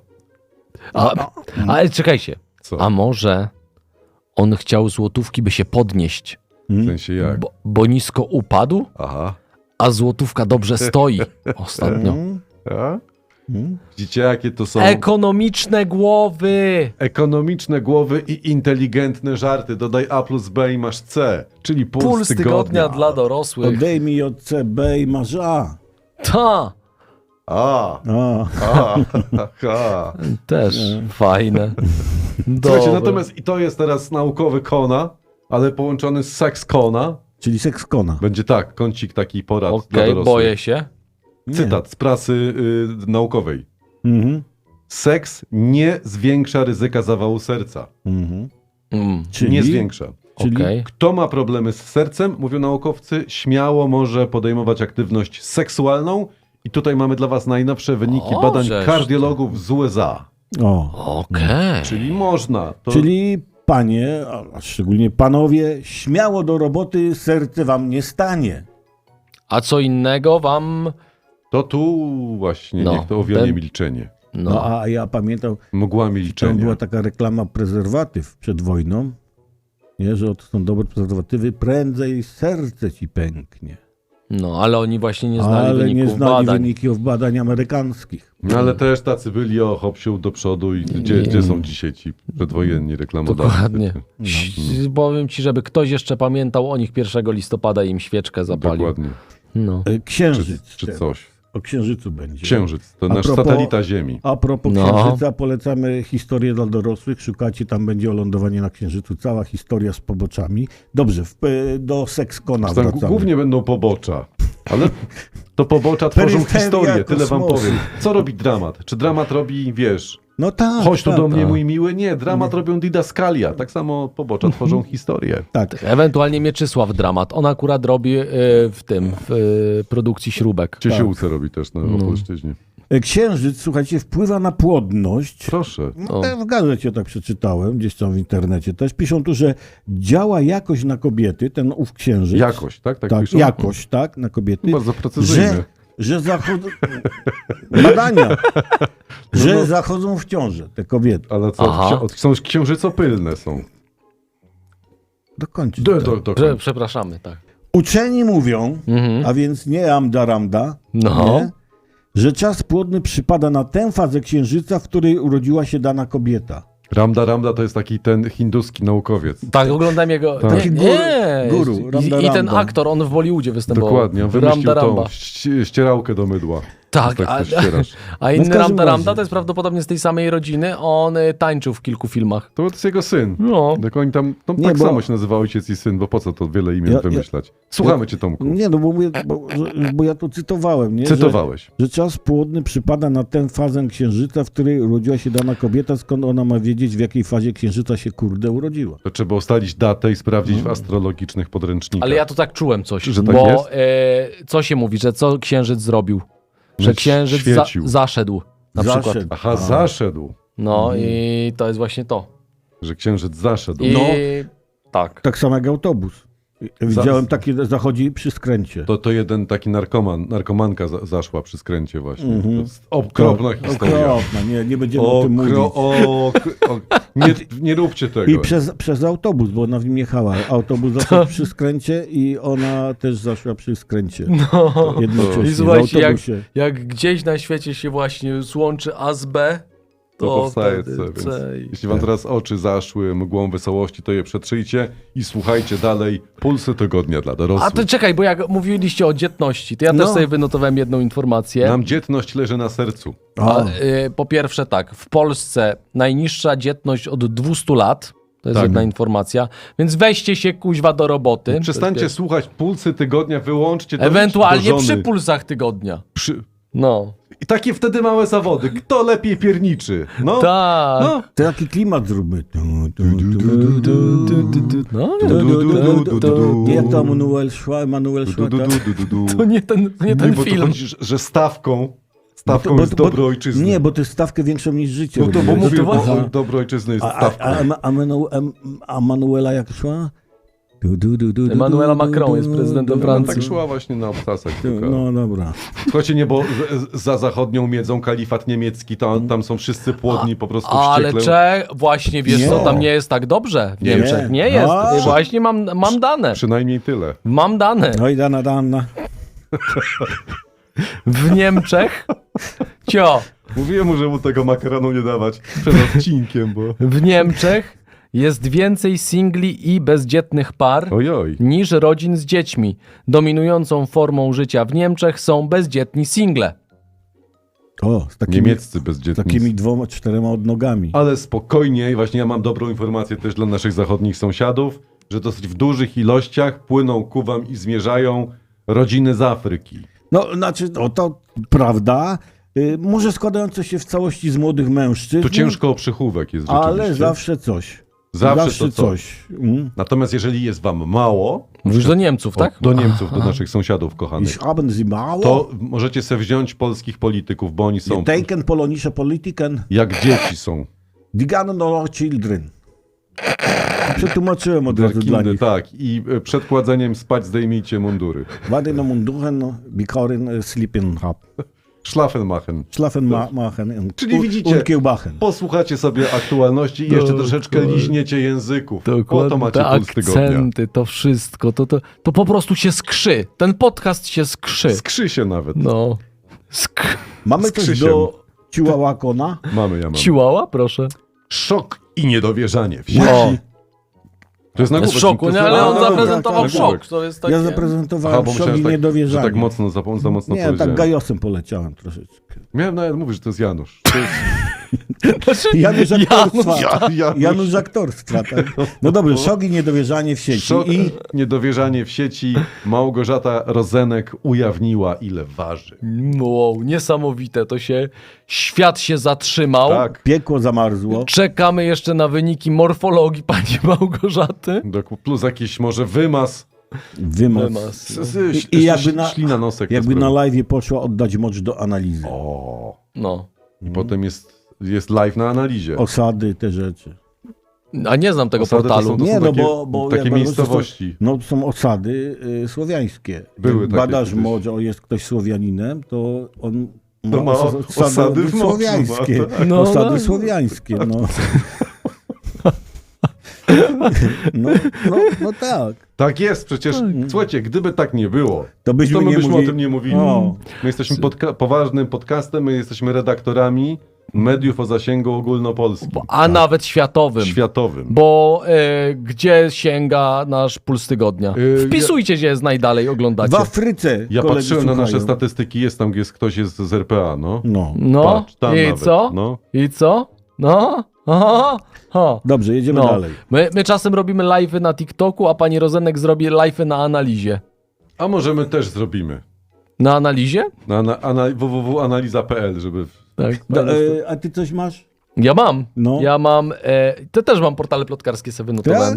Speaker 3: A, ale czekajcie.
Speaker 4: Co?
Speaker 3: A może on chciał złotówki, by się podnieść,
Speaker 4: W sensie jak?
Speaker 3: bo, bo nisko upadł,
Speaker 4: Aha.
Speaker 3: a złotówka dobrze stoi ostatnio.
Speaker 2: Mm,
Speaker 4: A?
Speaker 2: mm.
Speaker 4: Widzicie, jakie to są
Speaker 3: Ekonomiczne głowy.
Speaker 4: ekonomiczne głowy i inteligentne żarty. Dodaj A plus B i masz C, czyli puls,
Speaker 3: Puls tygodnia dla dorosłych.
Speaker 2: Odejmij od C B i masz A.
Speaker 3: Ta,
Speaker 4: A,
Speaker 2: A.
Speaker 4: a, ha.
Speaker 3: też fajne.
Speaker 4: Słuchajcie,
Speaker 3: Dobre.
Speaker 4: natomiast i to jest teraz naukowy Kona, ale połączony z seks Kona.
Speaker 2: Czyli sekskona.
Speaker 4: Będzie tak, kącik taki porad dla
Speaker 3: Okej,
Speaker 4: dorosłych.
Speaker 3: boję się.
Speaker 2: Nie.
Speaker 4: Cytat z prasy y, naukowej.
Speaker 2: Mhm.
Speaker 4: Seks nie zwiększa ryzyka zawału serca.
Speaker 2: Mhm.
Speaker 3: Mm.
Speaker 2: Czyli,
Speaker 4: Nie zwiększa.
Speaker 2: czyli
Speaker 3: Okej.
Speaker 4: Kto ma problemy z sercem, mówią naukowcy, śmiało może podejmować aktywność seksualną. I tutaj mamy dla was najnowsze wyniki
Speaker 3: O,
Speaker 4: badań
Speaker 3: żeż
Speaker 4: kardiologów z U S A.
Speaker 2: o.
Speaker 3: Okej.
Speaker 4: Czyli można. To
Speaker 2: Czyli panie, a szczególnie panowie, śmiało do roboty, serce wam nie stanie.
Speaker 3: A co innego wam...
Speaker 4: To tu właśnie,
Speaker 3: No,
Speaker 4: niech to owianie
Speaker 3: ten-
Speaker 4: milczenie.
Speaker 2: No,
Speaker 3: No,
Speaker 2: a ja pamiętam,
Speaker 4: Mgła
Speaker 2: tam
Speaker 4: milczenia.
Speaker 2: była taka reklama prezerwatyw przed wojną, nie, że to są dobre prezerwatywy, prędzej serce ci pęknie.
Speaker 3: no, ale oni właśnie nie znali
Speaker 2: Ale nie
Speaker 3: wyników
Speaker 2: znali
Speaker 3: badań.
Speaker 2: wyników badań amerykańskich.
Speaker 4: No ale też tacy byli o hopsiu do przodu i gdzie, gdzie są dzisiaj ci przedwojenni reklamodawcy?
Speaker 3: Dokładnie. Ś- Powiem ci, żeby ktoś jeszcze pamiętał o nich pierwszego listopada i im świeczkę zapalił.
Speaker 4: Dokładnie.
Speaker 3: No.
Speaker 2: E, Księżyc.
Speaker 4: Czy, czy
Speaker 2: teraz.
Speaker 4: coś.
Speaker 2: O księżycu będzie.
Speaker 4: Księżyc, to
Speaker 2: A
Speaker 4: nasz
Speaker 2: propos-
Speaker 4: satelita Ziemi.
Speaker 2: A propos
Speaker 3: No.
Speaker 2: księżyca, polecamy historię dla dorosłych. Szukacie, tam będzie o lądowaniu na księżycu. Cała historia z poboczami. Dobrze, w, e, do sekskona
Speaker 4: Tam
Speaker 2: wracamy.
Speaker 4: głównie będą pobocza, ale to pobocza tworzą
Speaker 2: Peryferia
Speaker 4: historię, tyle wam
Speaker 2: kosmosu.
Speaker 4: powiem. Co robi dramat? Czy dramat robi, wiesz,
Speaker 2: No tak.
Speaker 4: chodź tu
Speaker 2: tak,
Speaker 4: do mnie
Speaker 3: tak.
Speaker 4: mój miły? Nie, dramat robią didaskalia. Tak samo pobocza tworzą historię.
Speaker 2: Tak.
Speaker 3: Ewentualnie Mieczysław Dramat. On akurat robi y, w tym, w y, produkcji śrubek.
Speaker 4: Ciesiółce robi też na Opolszczyźnie.
Speaker 2: E, Księżyc, słuchajcie, wpływa na płodność.
Speaker 4: Proszę.
Speaker 2: No, te w gazecie tak przeczytałem, gdzieś tam w internecie też. Piszą tu, że działa jakoś na kobiety, ten ów księżyc.
Speaker 4: Jakość, tak? Tak,
Speaker 2: Tak,
Speaker 4: piszą?
Speaker 2: jakoś, tak, na kobiety.
Speaker 4: Bardzo precyzyjne.
Speaker 2: Że, że zachodzą... Badania. Że zachodzą w ciążę te kobiety.
Speaker 4: Ale co,
Speaker 3: Aha.
Speaker 4: ksi- są księżycopylne są.
Speaker 2: Dokończyć.
Speaker 4: Do,
Speaker 2: tak.
Speaker 4: do, do,
Speaker 3: Prze, przepraszamy, tak.
Speaker 2: Uczeni mówią,
Speaker 3: Mhm.
Speaker 2: a więc nie amda ramda,
Speaker 3: No.
Speaker 2: nie, że czas płodny przypada na tę fazę księżyca, w której urodziła się dana kobieta.
Speaker 4: Ramda Ramda to jest taki ten hinduski naukowiec.
Speaker 3: Tak, oglądam jego...
Speaker 4: Tak.
Speaker 3: Nie,
Speaker 2: Taki
Speaker 3: nie.
Speaker 2: guru,
Speaker 3: I,
Speaker 2: Ramda
Speaker 3: I ten
Speaker 2: Ramba.
Speaker 3: aktor, on w Bollywoodzie występował.
Speaker 4: Dokładnie, on wymyślił
Speaker 3: Ramda
Speaker 4: tą
Speaker 3: Ramba.
Speaker 4: ści- ścierałkę do mydła.
Speaker 3: Tak,
Speaker 4: tak
Speaker 3: a,
Speaker 4: to ścierasz.
Speaker 3: a
Speaker 2: No w
Speaker 3: inny
Speaker 2: każdym
Speaker 3: Ramda
Speaker 2: razie.
Speaker 3: Ramda to jest prawdopodobnie z tej samej rodziny. On y, tańczył w kilku filmach.
Speaker 4: To jest jego syn.
Speaker 3: No.
Speaker 4: Tak oni tam, no,
Speaker 2: Nie,
Speaker 4: tak
Speaker 2: bo-
Speaker 4: samo się nazywa ojciec i syn, bo po co to wiele imion
Speaker 2: Ja- ja-
Speaker 4: wymyślać? Słuchamy cię, Tomku.
Speaker 2: Nie, no bo, mówię, bo, że- bo ja to cytowałem, nie?
Speaker 4: Cytowałeś.
Speaker 2: Że, że czas płodny przypada na tę fazę księżyca, w której urodziła się dana kobieta, skąd ona ma wiedzieć, w jakiej fazie księżyca się kurde urodziła.
Speaker 4: To trzeba ustalić datę i sprawdzić w astrologicznych podręcznikach.
Speaker 3: Ale ja tu tak czułem coś.
Speaker 4: Że tak
Speaker 3: bo
Speaker 4: jest?
Speaker 3: e, co się mówi, że co księżyc zrobił? Że
Speaker 4: Że
Speaker 3: księżyc za,
Speaker 4: świecił.
Speaker 3: zaszedł. Na przykład.
Speaker 2: Zaszedł.
Speaker 4: Aha,
Speaker 2: A.
Speaker 4: zaszedł.
Speaker 3: No i to jest właśnie to.
Speaker 4: Że księżyc zaszedł.
Speaker 3: I
Speaker 2: No.
Speaker 3: tak.
Speaker 2: Tak samo jak autobus. Widziałem takie, zachodzi przy skręcie.
Speaker 4: To, to jeden taki narkoman, narkomanka za, zaszła przy skręcie właśnie.
Speaker 2: Mhm.
Speaker 4: To jest okropna historia.
Speaker 2: Okropna, nie, nie będziemy o tym mówić.
Speaker 4: Okro, o, o, nie, nie róbcie tego.
Speaker 2: I przez, przez autobus, bo ona w nim jechała. Autobus zaszedł przy skręcie i ona też zaszła przy skręcie.
Speaker 3: No.
Speaker 2: Jednocześnie
Speaker 3: I
Speaker 2: w
Speaker 3: słuchajcie, jak,
Speaker 2: autobusie.
Speaker 3: jak gdzieś na świecie się właśnie złączy A z B,
Speaker 4: To
Speaker 3: to
Speaker 4: powstaje
Speaker 3: wtedy
Speaker 4: C, więc
Speaker 3: C.
Speaker 4: jeśli wam teraz oczy zaszły mgłą wesołości, to je przetrzyjcie i słuchajcie dalej Pulsy Tygodnia dla dorosłych.
Speaker 3: A to czekaj, bo jak mówiliście o dzietności, to ja
Speaker 2: No.
Speaker 3: też sobie wynotowałem jedną informację.
Speaker 4: Nam dzietność leży na sercu.
Speaker 3: A,
Speaker 2: O,
Speaker 3: y, po pierwsze tak, w Polsce najniższa dzietność od dwieście lat, to jest
Speaker 4: Tak.
Speaker 3: jedna informacja, więc weźcie się kuźwa do roboty.
Speaker 4: Przestańcie
Speaker 3: To jest
Speaker 4: słuchać Pulsy Tygodnia, wyłączcie to.
Speaker 3: Ewentualnie
Speaker 4: do żony.
Speaker 3: przy pulsach tygodnia.
Speaker 4: Przy...
Speaker 3: No.
Speaker 4: I takie wtedy małe zawody. Kto lepiej pierniczy? No,
Speaker 3: Tak.
Speaker 4: no.
Speaker 2: to jaki klimat zróbmy. Tu, tu, tu, tu, tu.
Speaker 3: No,
Speaker 2: Tu,
Speaker 3: nie,
Speaker 2: tu,
Speaker 4: du,
Speaker 2: tu,
Speaker 4: du,
Speaker 2: tu,
Speaker 4: du,
Speaker 2: tu.
Speaker 4: du.
Speaker 2: Jak to Emanuel szła, Emanuel
Speaker 4: Du,
Speaker 2: szła,
Speaker 4: du,
Speaker 2: tak?
Speaker 4: du, du, du, du.
Speaker 3: to nie ten, to nie
Speaker 4: Nie,
Speaker 3: ten
Speaker 4: bo to
Speaker 3: film.
Speaker 4: chodzi, że- że stawką, stawką
Speaker 2: Bo to-
Speaker 4: jest
Speaker 2: bo-
Speaker 4: dobro ojczyzny.
Speaker 2: Nie, bo to jest stawkę większą niż życie.
Speaker 4: No to bo
Speaker 2: robiłeś.
Speaker 4: mówię, bo
Speaker 2: Aha.
Speaker 4: dobro ojczyzny jest
Speaker 2: A, a,
Speaker 4: stawką.
Speaker 2: a, a, Emanu- em- a Manuela jak szła? Du, du, du, du, du,
Speaker 3: Emanuela
Speaker 2: du,
Speaker 3: Macron
Speaker 2: du,
Speaker 3: jest
Speaker 2: du,
Speaker 3: prezydentem
Speaker 2: du,
Speaker 4: No,
Speaker 3: Francji.
Speaker 4: tak szła właśnie na obcasach.
Speaker 2: du.
Speaker 4: tylko.
Speaker 2: No dobra.
Speaker 4: Słuchajcie, nie, bo z- za zachodnią miedzą kalifat niemiecki, tam, tam są wszyscy płodni, po prostu
Speaker 3: Ale
Speaker 4: wściekle.
Speaker 3: Czech, właśnie wiesz
Speaker 2: Nie.
Speaker 3: co, tam nie jest tak dobrze w
Speaker 4: Nie.
Speaker 3: Niemczech. Nie jest.
Speaker 2: A.
Speaker 3: Właśnie mam, mam dane.
Speaker 4: Przynajmniej tyle.
Speaker 3: Mam dane.
Speaker 2: No i dana, dana.
Speaker 3: W Niemczech, cio,
Speaker 4: Mówiłem mu, że mu tego makaronu nie dawać przed odcinkiem, bo...
Speaker 3: w Niemczech jest więcej singli i bezdzietnych par
Speaker 4: Ojoj.
Speaker 3: niż rodzin z dziećmi. Dominującą formą życia w Niemczech są bezdzietni single.
Speaker 2: O, z takimi,
Speaker 4: Niemieccy bezdzietni.
Speaker 2: takimi dwoma, czterema odnogami.
Speaker 4: Ale spokojnie, i właśnie ja mam dobrą informację też dla naszych zachodnich sąsiadów, że dosyć w dużych ilościach płyną ku wam i zmierzają rodziny z Afryki.
Speaker 2: No, znaczy, no, to prawda. Y, może składające się w całości z młodych mężczyzn.
Speaker 4: Tu ciężko o przychówek jest rzeczywiście.
Speaker 2: Ale zawsze coś.
Speaker 4: Zawsze to coś.
Speaker 2: Mm.
Speaker 4: Natomiast jeżeli jest wam mało,
Speaker 3: Mówisz do Niemców, tak?
Speaker 4: o, do Niemców, do naszych sąsiadów kochanych,
Speaker 2: Ich haben sie mało.
Speaker 4: to możecie sobie wziąć polskich polityków, bo oni są
Speaker 2: Die denken polonische Politiken,
Speaker 4: jak dzieci są.
Speaker 2: die gehen noch children. Przetłumaczyłem od razu dla
Speaker 4: Kindy,
Speaker 2: nich.
Speaker 4: tak. I e, przed kładzeniem spać zdejmijcie mundury.
Speaker 2: Warte na munduren, bikoren, äh, sleepen hab.
Speaker 4: Schlafenmachen.
Speaker 2: Schlafen ma machen und,
Speaker 4: Czyli widzicie-
Speaker 2: und kiełbachen.
Speaker 4: Posłuchacie sobie aktualności i jeszcze troszeczkę
Speaker 3: Dokładnie.
Speaker 4: liźniecie języków. Po to macie
Speaker 3: te
Speaker 4: puls tygodnia.
Speaker 3: akcenty, to wszystko, to, to, to po prostu się skrzy. Ten podcast się skrzy.
Speaker 4: Skrzy się nawet.
Speaker 3: No. Sk...
Speaker 2: Mamy
Speaker 4: z
Speaker 2: coś
Speaker 4: Krzysiem.
Speaker 2: do Chihuahua-kona?
Speaker 4: Mamy, ja mam.
Speaker 3: Chihuahua, proszę.
Speaker 4: Szok i niedowierzanie. W
Speaker 3: O,
Speaker 4: To jest
Speaker 3: jest
Speaker 4: nagłówek.
Speaker 3: w szoku,
Speaker 4: To
Speaker 3: nie?
Speaker 4: jest-
Speaker 3: Ale
Speaker 4: a,
Speaker 3: on
Speaker 4: no dobra,
Speaker 3: zaprezentował
Speaker 2: tak, tak,
Speaker 3: szok.
Speaker 4: tak.
Speaker 3: To jest takie...
Speaker 2: Ja zaprezentowałem
Speaker 4: Aha, bo
Speaker 2: szok
Speaker 4: myślałem,
Speaker 2: i
Speaker 4: że tak, że
Speaker 2: niedowierzanie.
Speaker 4: tak mocno, za, za mocno
Speaker 2: Nie, tak
Speaker 4: powiedziałem.
Speaker 2: gajosem poleciałem troszeczkę.
Speaker 4: Miałem nawet mówić, że to jest Janusz. To jest...
Speaker 3: Znaczy,
Speaker 2: Janusz aktorstwa.
Speaker 4: Ja- Janusz.
Speaker 2: Janusz aktorstwa, tak? No dobrze, szok i niedowierzanie w sieci.
Speaker 4: Szok,
Speaker 2: I
Speaker 4: niedowierzanie w sieci. Małgorzata Rozenek ujawniła, ile waży.
Speaker 3: Wow, niesamowite. To się... Świat się zatrzymał.
Speaker 4: Tak.
Speaker 2: piekło zamarzło.
Speaker 3: Czekamy jeszcze na wyniki morfologii pani Małgorzaty.
Speaker 4: Dok- Plus jakiś może wymaz.
Speaker 2: Wymaz.
Speaker 3: Wymaz.
Speaker 4: S- s-
Speaker 2: I, i jakby na,
Speaker 4: Ślina nosek. to
Speaker 2: jakby na
Speaker 4: sprawa.
Speaker 2: live poszła oddać mocz do analizy.
Speaker 4: O.
Speaker 3: No.
Speaker 4: I potem jest, jest live na analizie.
Speaker 2: Osady, te rzeczy.
Speaker 3: A nie znam tego
Speaker 4: Osady to
Speaker 3: portalu.
Speaker 4: są- to
Speaker 2: Nie, no
Speaker 4: takie-
Speaker 2: bo, bo
Speaker 4: takie
Speaker 2: jak
Speaker 4: miejscowości.
Speaker 2: No to są osady y, słowiańskie.
Speaker 4: Były
Speaker 2: Jak
Speaker 4: takie
Speaker 2: badasz
Speaker 4: kiedyś.
Speaker 2: mocz, o jest ktoś Słowianinem, to on ma,
Speaker 4: To ma
Speaker 2: osady,
Speaker 4: osady w moczu,
Speaker 2: słowiańskie.
Speaker 4: ma, tak.
Speaker 3: No,
Speaker 2: osady
Speaker 3: no.
Speaker 2: słowiańskie, no. no, no. No tak.
Speaker 4: Tak jest, przecież słuchajcie, gdyby tak nie było,
Speaker 2: To byśmy,
Speaker 4: to my
Speaker 2: nie
Speaker 4: byśmy
Speaker 2: mówili...
Speaker 4: o tym nie mówili.
Speaker 2: O.
Speaker 4: My jesteśmy podca- poważnym podcastem, my jesteśmy redaktorami mediów o zasięgu ogólnopolskim,
Speaker 3: A nawet światowym.
Speaker 4: światowym.
Speaker 3: Bo e, gdzie sięga nasz puls tygodnia?
Speaker 4: Yy,
Speaker 3: Wpisujcie, gdzie jest najdalej, oglądacie.
Speaker 2: W Afryce
Speaker 4: Ja
Speaker 2: koledzy
Speaker 4: patrzyłem na nasze
Speaker 2: słuchają.
Speaker 4: statystyki, jest tam, gdzie jest ktoś jest z R P A, no.
Speaker 2: No.
Speaker 3: No,
Speaker 4: Patrz, tam
Speaker 3: i
Speaker 4: nawet,
Speaker 3: co?
Speaker 4: no.
Speaker 3: I co? No, aha, ha.
Speaker 2: Dobrze, jedziemy
Speaker 3: No.
Speaker 2: dalej.
Speaker 3: My, my czasem robimy live'y na TikToku, a pani Rozenek zrobi live'y na analizie.
Speaker 4: A może my też zrobimy.
Speaker 3: Na analizie?
Speaker 4: Na, na ana, www kropka analiza kropka p l, żeby...
Speaker 3: Tak.
Speaker 2: Da, e, a ty coś masz?
Speaker 3: Ja mam.
Speaker 2: No.
Speaker 3: Ja mam. E, to też mam portale plotkarskie sobie wynotowałem.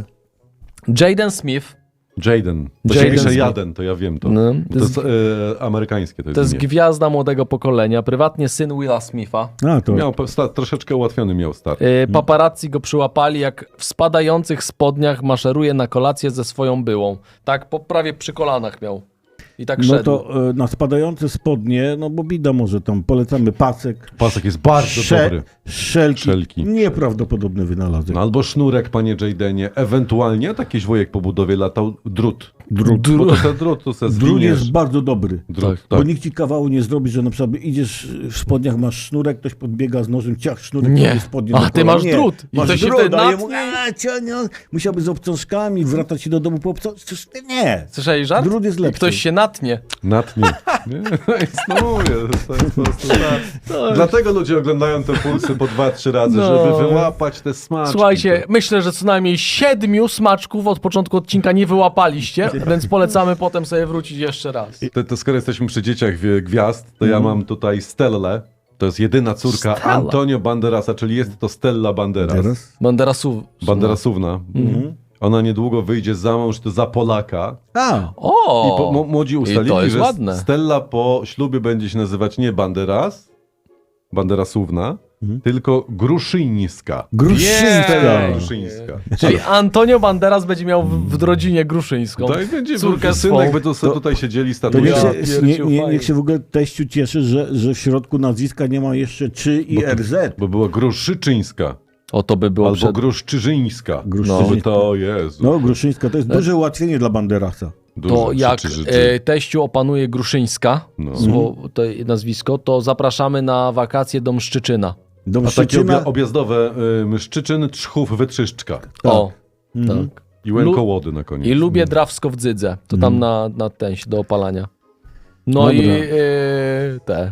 Speaker 3: Jaden Smith.
Speaker 4: Jaden. To
Speaker 3: Jaden
Speaker 4: się pisze
Speaker 3: Smith.
Speaker 4: Jaden, to ja wiem to.
Speaker 3: No,
Speaker 4: Bo to jest e, amerykańskie to jest,
Speaker 3: To jest
Speaker 4: imię.
Speaker 3: gwiazda młodego pokolenia, prywatnie syn Willa Smitha.
Speaker 2: A, to
Speaker 4: Miał po- sta, troszeczkę ułatwiony miał start.
Speaker 3: E, paparazzi go przyłapali, jak w spadających spodniach maszeruje na kolację ze swoją byłą. Tak, po prawie przy kolanach miał. I tak
Speaker 2: no
Speaker 3: szedł.
Speaker 2: to e, na spadające spodnie, no bo bida może tam, polecamy pasek.
Speaker 4: Pasek jest bardzo
Speaker 2: sze-
Speaker 4: dobry.
Speaker 2: Szelki.
Speaker 4: Szelki.
Speaker 2: Nieprawdopodobny wynalazek.
Speaker 4: No, albo sznurek, panie Jadenie. Ewentualnie takiś wojek po budowie latał drut.
Speaker 2: Drut.
Speaker 4: Bo to se drut, to se
Speaker 2: Drut
Speaker 4: zwiniesz.
Speaker 2: jest bardzo dobry.
Speaker 4: Drut,
Speaker 3: Tak.
Speaker 4: tak.
Speaker 2: Bo nikt ci kawału nie zrobi, że na przykład idziesz w spodniach, masz sznurek, ktoś podbiega z nożem, ciach sznurek,
Speaker 3: Nie.
Speaker 2: tobie spodnie
Speaker 3: A,
Speaker 2: do
Speaker 3: ty
Speaker 2: kolan.
Speaker 3: masz
Speaker 2: Nie.
Speaker 3: drut. I
Speaker 2: Masz
Speaker 3: to się
Speaker 2: drut,
Speaker 3: wtedy
Speaker 2: a
Speaker 3: natnie.
Speaker 2: jemu, a, cianio, musiałby z obciążkami, wracać się do domu po obciążkach. Nie.
Speaker 3: Słyszeli żart?
Speaker 2: Drut jest
Speaker 3: I
Speaker 2: lepszy.
Speaker 3: ktoś się natnie.
Speaker 4: Natnie. Nie? No mówię, to jest po prostu tak. Dlatego ludzie oglądają te pulsy po dwa, trzy razy,
Speaker 3: No.
Speaker 4: żeby wyłapać te smaczki.
Speaker 3: Słuchajcie, myślę, że co najmniej siedmiu smaczków od początku odcinka nie wyłapaliście, więc polecamy potem sobie wrócić jeszcze raz.
Speaker 4: To, to skoro jesteśmy przy dzieciach wie- gwiazd, to ja mam tutaj Stellę. To jest jedyna córka
Speaker 3: Stella.
Speaker 4: Antonio Banderasa, czyli jest to Stella Banderas.
Speaker 2: Teraz?
Speaker 3: Banderasów.
Speaker 4: Banderasówna. Ona niedługo wyjdzie za mąż to za Polaka.
Speaker 2: A,
Speaker 3: O!
Speaker 4: I po, mo- młodzi
Speaker 3: I
Speaker 4: ustalili,
Speaker 3: to jest
Speaker 4: że
Speaker 3: ładne.
Speaker 4: Stella po ślubie będzie się nazywać nie Banderas, Banderasówna, tylko Gruszyńska.
Speaker 2: Gruszyńska.
Speaker 3: Jej.
Speaker 4: Gruszyńska.
Speaker 3: Czyli Antonio Banderas będzie miał w, w rodzinie Gruszyńską.
Speaker 4: Tak będzie
Speaker 3: córkę
Speaker 4: synek,
Speaker 3: swą.
Speaker 4: by to, sobie tutaj siedzieli
Speaker 2: To niech
Speaker 3: Ja
Speaker 4: statusia.
Speaker 2: się, nie,
Speaker 3: pierdziu,
Speaker 2: nie,
Speaker 3: fajnie.
Speaker 2: niech się w ogóle teściu cieszy, że, że w środku nazwiska nie ma jeszcze czy i R Z.
Speaker 4: Bo była Gruszyczyńska.
Speaker 3: O, to by było
Speaker 4: Albo
Speaker 3: przed...
Speaker 4: Gruszczyżyńska.
Speaker 2: Gruszczyżyńska.
Speaker 4: Żeby to, Jezu.
Speaker 2: No, Gruszyńska to jest duże ułatwienie dla Banderasa.
Speaker 4: Dużo
Speaker 3: To jak
Speaker 4: ci życzy.
Speaker 3: e, teściu opanuje Gruszyńska,
Speaker 4: No.
Speaker 3: słowo, to nazwisko, to zapraszamy na wakacje do Mszczyczyna.
Speaker 2: Do
Speaker 4: A takie
Speaker 2: Mszczyczyna,
Speaker 4: obja- objazdowe y, Mszczyczyn, Trzchów, Wytrzyszczka.
Speaker 3: O,
Speaker 2: Mhm.
Speaker 3: tak.
Speaker 4: I Łękołody na koniec.
Speaker 3: I lubię Drawsko w Dzydze. To tam na, na ten do opalania. No
Speaker 2: Dobra.
Speaker 3: i e, te.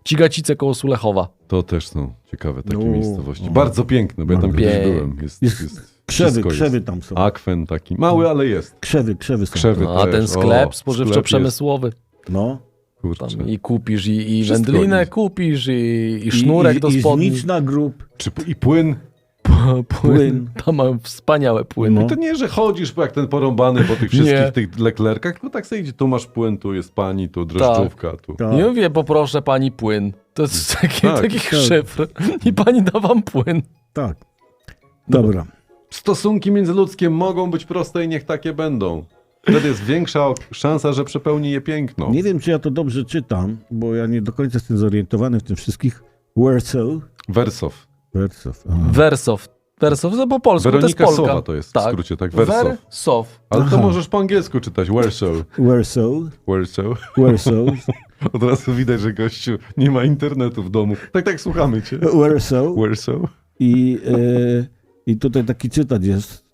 Speaker 3: Cigacice koło Sulechowa.
Speaker 4: To też są ciekawe takie
Speaker 2: No,
Speaker 4: miejscowości.
Speaker 2: no.
Speaker 4: Bardzo piękne, bo ja tam
Speaker 2: Bardzo
Speaker 4: kiedyś
Speaker 3: piękne.
Speaker 4: byłem. Jest,
Speaker 2: Jest
Speaker 4: jest,
Speaker 2: Krzewy,
Speaker 4: wszystko
Speaker 2: krzewy
Speaker 4: jest.
Speaker 2: tam są.
Speaker 4: Akwen taki, mały, ale jest.
Speaker 2: Krzewy, krzewy są.
Speaker 4: Krzewy
Speaker 3: No, a
Speaker 4: też.
Speaker 3: ten sklep
Speaker 4: O,
Speaker 3: spożywczo-przemysłowy.
Speaker 2: No.
Speaker 4: Kurczę.
Speaker 3: Tam i kupisz, i, i
Speaker 4: Wszystko
Speaker 3: wędlinę
Speaker 4: jest.
Speaker 3: kupisz, i, i
Speaker 2: I,
Speaker 3: sznurek
Speaker 2: i,
Speaker 3: do
Speaker 2: i
Speaker 3: spodni.
Speaker 2: znicz na grób.
Speaker 4: Czy, I płyn.
Speaker 3: Płyn.
Speaker 2: Płyn.
Speaker 3: Tam mają wspaniałe płyny.
Speaker 2: No.
Speaker 4: To nie, że chodzisz jak ten porąbany po tych wszystkich
Speaker 3: Nie.
Speaker 4: tych leklerkach, tylko tak sobie idzie, tu masz płyn, tu jest pani, tu drożdżówka, tu.
Speaker 2: Tak.
Speaker 3: Nie mówię, poproszę pani płyn. To jest taki,
Speaker 4: Tak,
Speaker 3: taki
Speaker 2: tak.
Speaker 3: szyfr. I pani da wam płyn.
Speaker 2: Tak. Dobra.
Speaker 4: Stosunki międzyludzkie mogą być proste i niech takie będą. Wtedy jest większa ok- szansa, że przepełni je piękno.
Speaker 2: Nie wiem, czy ja to dobrze czytam, bo ja nie do końca jestem zorientowany w tym wszystkich. Wersow.
Speaker 4: Wersow.
Speaker 2: Wersow. Aha.
Speaker 3: Wersow. Wersow, to po polsku,
Speaker 4: Weronika
Speaker 3: to jest Polka.
Speaker 4: Sowa to jest w
Speaker 3: Tak.
Speaker 4: skrócie, tak? Wersow.
Speaker 3: Wersow.
Speaker 4: Ale to
Speaker 2: Aha.
Speaker 4: możesz po angielsku czytać. Wersow.
Speaker 2: Wersow.
Speaker 4: Wersow.
Speaker 2: Wersow.
Speaker 4: Od razu widać, że gościu nie ma internetu w domu. Tak, tak, słuchamy cię.
Speaker 2: Wersow.
Speaker 4: Wersow.
Speaker 2: I, e, I tutaj taki cytat jest.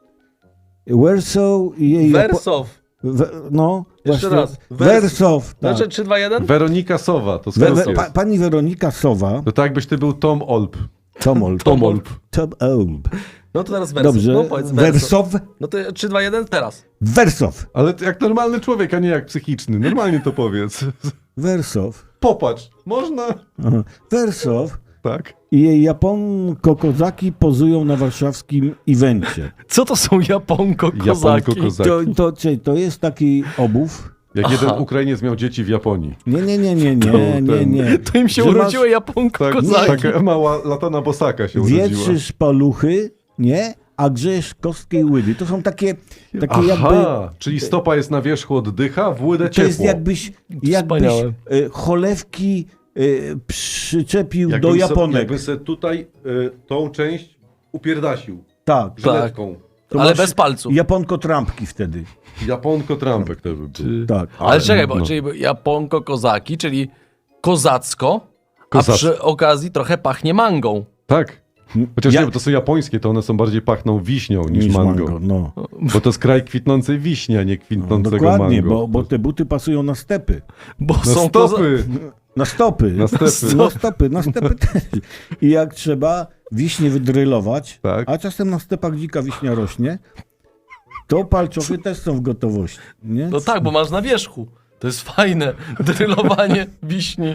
Speaker 2: Wersow i jej...
Speaker 3: Wersow.
Speaker 2: We, no,
Speaker 3: Jeszcze
Speaker 2: właśnie.
Speaker 3: raz. Wers-
Speaker 2: Wersow. Tak.
Speaker 3: Znaczy trzy, dwa, jeden?
Speaker 4: Weronika Sowa, to
Speaker 2: We,
Speaker 4: skrót
Speaker 2: we,
Speaker 4: jest.
Speaker 2: pa, pani Weronika Sowa.
Speaker 4: To tak jakbyś ty był Tom Olp.
Speaker 2: Tomolb.
Speaker 3: Tomolb.
Speaker 2: Tom Olb.
Speaker 3: No to teraz Wersow.
Speaker 2: Dobrze.
Speaker 3: No powiedz Wersow.
Speaker 2: Wersow.
Speaker 3: No to trzy, dwa, jeden teraz.
Speaker 2: Wersow.
Speaker 4: Ale ty jak normalny człowiek, a nie jak psychiczny. Normalnie to powiedz.
Speaker 2: Wersow.
Speaker 4: Popatrz. Można?
Speaker 2: Aha. Wersow
Speaker 4: Tak.
Speaker 2: i jej Japonko-kozaki pozują na warszawskim evencie.
Speaker 3: Co to są Japonko-kozaki?
Speaker 4: Japonko-kozaki.
Speaker 2: To, to, czyli to jest taki obóz.
Speaker 4: Jak
Speaker 3: Aha.
Speaker 4: jeden Ukrainiec miał dzieci w Japonii.
Speaker 2: Nie, nie, nie, nie,
Speaker 4: To
Speaker 2: nie, nie,
Speaker 4: ten-
Speaker 2: nie.
Speaker 3: To im się
Speaker 2: Że masz-
Speaker 3: urodziły
Speaker 4: Tak,
Speaker 3: Japonko-kozaki.
Speaker 4: taka mała latana bosaka się urodziła.
Speaker 2: Wietrzysz paluchy, nie? A grzesz kostkę i łydy. To są takie, takie jakby...
Speaker 4: Aha, czyli stopa jest na wierzchu oddycha, w łydę
Speaker 2: To
Speaker 4: ciepło.
Speaker 2: jest jakbyś, jakbyś
Speaker 3: Wspaniałe.
Speaker 2: e, cholewki e, przyczepił
Speaker 4: Jakbym
Speaker 2: do
Speaker 4: se-
Speaker 2: Japonek.
Speaker 4: Jakby se tutaj y, tą część upierdasił.
Speaker 2: Tak.
Speaker 4: Żyletką.
Speaker 2: To
Speaker 3: Ale
Speaker 2: masz
Speaker 3: bez palców.
Speaker 2: Japonko-trampki wtedy.
Speaker 4: Japonko Trampek to by był.
Speaker 2: Tak.
Speaker 3: Ale czekaj, bo
Speaker 4: no.
Speaker 3: czyli Japonko-kozaki, czyli kozacko, a
Speaker 4: Kozacko.
Speaker 3: przy okazji trochę pachnie mangą.
Speaker 4: Tak. Chociaż
Speaker 2: Ja-
Speaker 4: nie, bo to są japońskie, to one są bardziej pachną wiśnią niż,
Speaker 2: Niż
Speaker 4: mango.
Speaker 2: mango. No.
Speaker 4: Bo to jest kraj kwitnącej wiśni, a nie
Speaker 2: No,
Speaker 4: kwitnącego
Speaker 2: dokładnie,
Speaker 4: mango.
Speaker 2: bo, bo te buty pasują na stepy.
Speaker 3: Bo
Speaker 4: Na
Speaker 3: są koza...
Speaker 4: stopy!
Speaker 2: Na stopy.
Speaker 4: Na stepy.
Speaker 2: Na stopy, na stepy też. I jak trzeba wiśnie wydrylować,
Speaker 4: Tak.
Speaker 2: a czasem na stepach dzika wiśnia rośnie, to palczochy też są w gotowości. Nie?
Speaker 3: No tak, bo masz na wierzchu. To jest fajne. Drylowanie wiśni.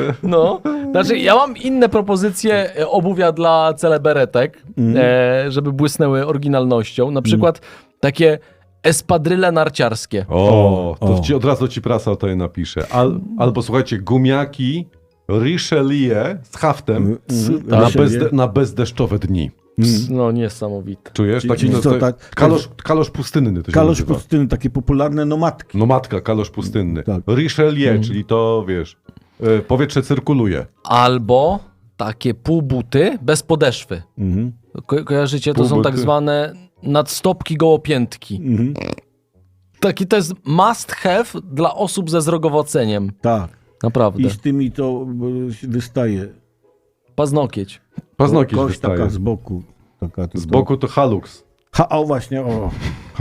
Speaker 3: No. Znaczy, ja mam inne propozycje e, obuwia dla celeberetek, e, żeby błysnęły oryginalnością. Na przykład takie espadryle narciarskie.
Speaker 4: O, to
Speaker 2: O.
Speaker 4: Ci, od razu ci prasa to je napisze. Al, albo słuchajcie, gumiaki Richelieu z haftem
Speaker 2: Mm,
Speaker 4: na,
Speaker 2: Richelieu.
Speaker 4: bezde, na bezdeszczowe dni.
Speaker 3: Ps, No niesamowite.
Speaker 4: Czujesz?
Speaker 2: Czyli-
Speaker 4: Taki,
Speaker 2: czyli
Speaker 4: no,
Speaker 2: co,
Speaker 4: to,
Speaker 2: tak-
Speaker 4: kalosz, kalosz pustynny to się
Speaker 2: Kalosz
Speaker 4: nazywa.
Speaker 2: pustyny, takie popularne nomadki.
Speaker 4: No matka, kalosz pustynny.
Speaker 2: Tak.
Speaker 4: Richelieu, czyli to, wiesz, y, powietrze cyrkuluje.
Speaker 3: Albo takie półbuty bez podeszwy.
Speaker 2: Mhm.
Speaker 3: Ko kojarzycie? To są
Speaker 4: Półbuty.
Speaker 3: tak zwane nadstopki gołopiętki.
Speaker 2: Mhm.
Speaker 3: Taki to jest must have dla osób ze zrogowoceniem.
Speaker 2: Tak.
Speaker 3: Naprawdę.
Speaker 2: I z tymi to e, wystaje.
Speaker 3: Paznokieć.
Speaker 4: Paznokieć
Speaker 2: Kość
Speaker 4: wystaje.
Speaker 2: taka z boku. Taka
Speaker 4: Z
Speaker 2: to-
Speaker 4: boku to halux.
Speaker 2: Ha, o właśnie, o.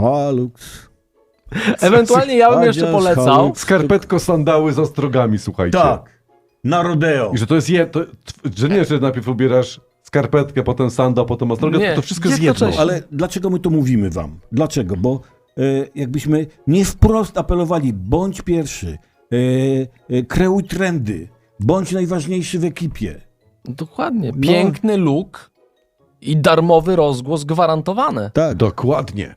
Speaker 2: Halux.
Speaker 3: Ewentualnie ja bym
Speaker 2: Chociaż
Speaker 3: jeszcze polecał.
Speaker 2: haluk-
Speaker 4: Skarpetko, sandały z ostrogami, słuchajcie.
Speaker 2: Tak. Na rodeo.
Speaker 4: I że to jest je, to, że nie, że najpierw ubierasz skarpetkę, potem sandał, potem ostrogę,
Speaker 3: Nie,
Speaker 4: to, to wszystko jest jedno.
Speaker 3: jednocześnie.
Speaker 2: Ale dlaczego my to mówimy wam? Dlaczego? Bo e, jakbyśmy nie wprost apelowali, bądź pierwszy, e, e, kreuj trendy, bądź najważniejszy w ekipie.
Speaker 3: Dokładnie.
Speaker 2: No.
Speaker 3: Piękny look i darmowy rozgłos gwarantowane.
Speaker 2: Tak.
Speaker 4: Dokładnie.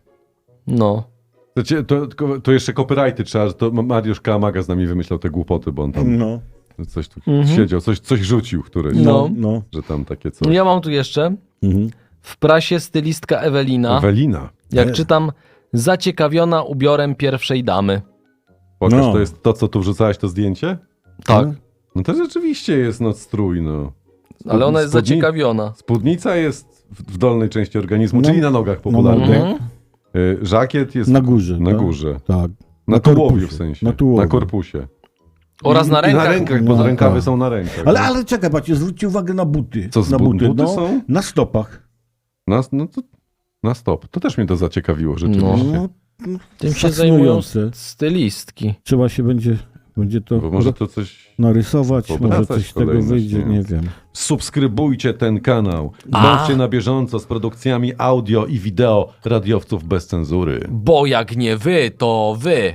Speaker 3: No.
Speaker 4: To, cię- to, to, to jeszcze copyrighty trzeba, że to Mariusz Kamaga z nami wymyślał te głupoty, bo on tam
Speaker 2: No,
Speaker 4: coś tu
Speaker 3: Mhm.
Speaker 4: siedział, coś, coś rzucił któreś,
Speaker 3: No.
Speaker 2: no, no.
Speaker 4: że tam takie coś.
Speaker 3: Ja mam tu jeszcze
Speaker 2: Mhm.
Speaker 3: w prasie stylistka Ewelina,
Speaker 4: Ewelina.
Speaker 3: jak
Speaker 2: Nie.
Speaker 3: czytam, zaciekawiona ubiorem pierwszej damy.
Speaker 4: Pokaż,
Speaker 2: No.
Speaker 4: to jest to, co tu wrzucałeś, to zdjęcie?
Speaker 3: Tak.
Speaker 2: No.
Speaker 4: No to rzeczywiście jest no strój, no.
Speaker 3: Ale ona jest
Speaker 4: Spódni-
Speaker 3: zaciekawiona.
Speaker 4: Spódnica jest w, w dolnej części organizmu,
Speaker 2: No.
Speaker 4: czyli na nogach popularnie.
Speaker 2: nogach.
Speaker 3: Mhm.
Speaker 4: Y, Żakiet jest
Speaker 2: Na górze.
Speaker 4: na
Speaker 2: tak?
Speaker 4: górze.
Speaker 2: Tak.
Speaker 4: Na,
Speaker 2: Na
Speaker 4: tułowiu
Speaker 2: korpusie.
Speaker 4: w sensie.
Speaker 2: Na tułowiu.
Speaker 4: Na korpusie.
Speaker 3: Oraz na
Speaker 4: I,
Speaker 3: rękach.
Speaker 4: I na rękach, bo
Speaker 2: No,
Speaker 4: rękawy
Speaker 2: tak.
Speaker 4: są na rękach.
Speaker 2: Ale,
Speaker 4: no.
Speaker 2: ale czekaj, patrzcie, zwróćcie uwagę na buty.
Speaker 4: Co, z
Speaker 2: na
Speaker 4: bu-
Speaker 2: buty,
Speaker 4: buty
Speaker 2: no,
Speaker 4: są?
Speaker 2: Na stopach.
Speaker 4: Na, no to, na stop. To też mnie to zaciekawiło rzeczywiście.
Speaker 2: No,
Speaker 3: Tym się zajmują
Speaker 2: fascynujące.
Speaker 3: stylistki.
Speaker 2: Trzeba się będzie Będzie to
Speaker 4: Bo może to coś...
Speaker 2: narysować, może
Speaker 4: obracać
Speaker 2: coś z tego
Speaker 4: kolejność,
Speaker 2: wyjdzie,
Speaker 4: nie?
Speaker 2: nie wiem.
Speaker 4: Subskrybujcie ten kanał.
Speaker 3: A.
Speaker 4: Bądźcie na bieżąco z produkcjami audio i wideo radiowców bez cenzury.
Speaker 3: Bo jak nie wy, to wy.